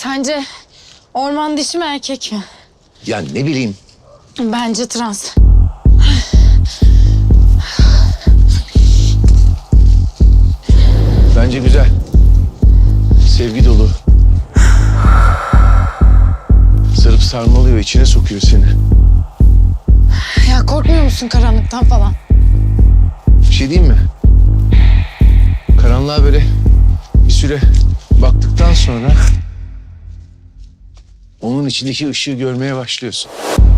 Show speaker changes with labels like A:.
A: Sence orman dişi mi erkek mi?
B: Ya ne bileyim.
A: Bence trans.
B: Bence güzel. Sevgi dolu. Sarıp sarmalıyor, içine sokuyor seni.
A: Ya korkmuyor musun karanlıktan falan?
B: Bir şey diyeyim mi? Karanlığa böyle bir süre baktıktan sonra onun içindeki ışığı görmeye başlıyorsun.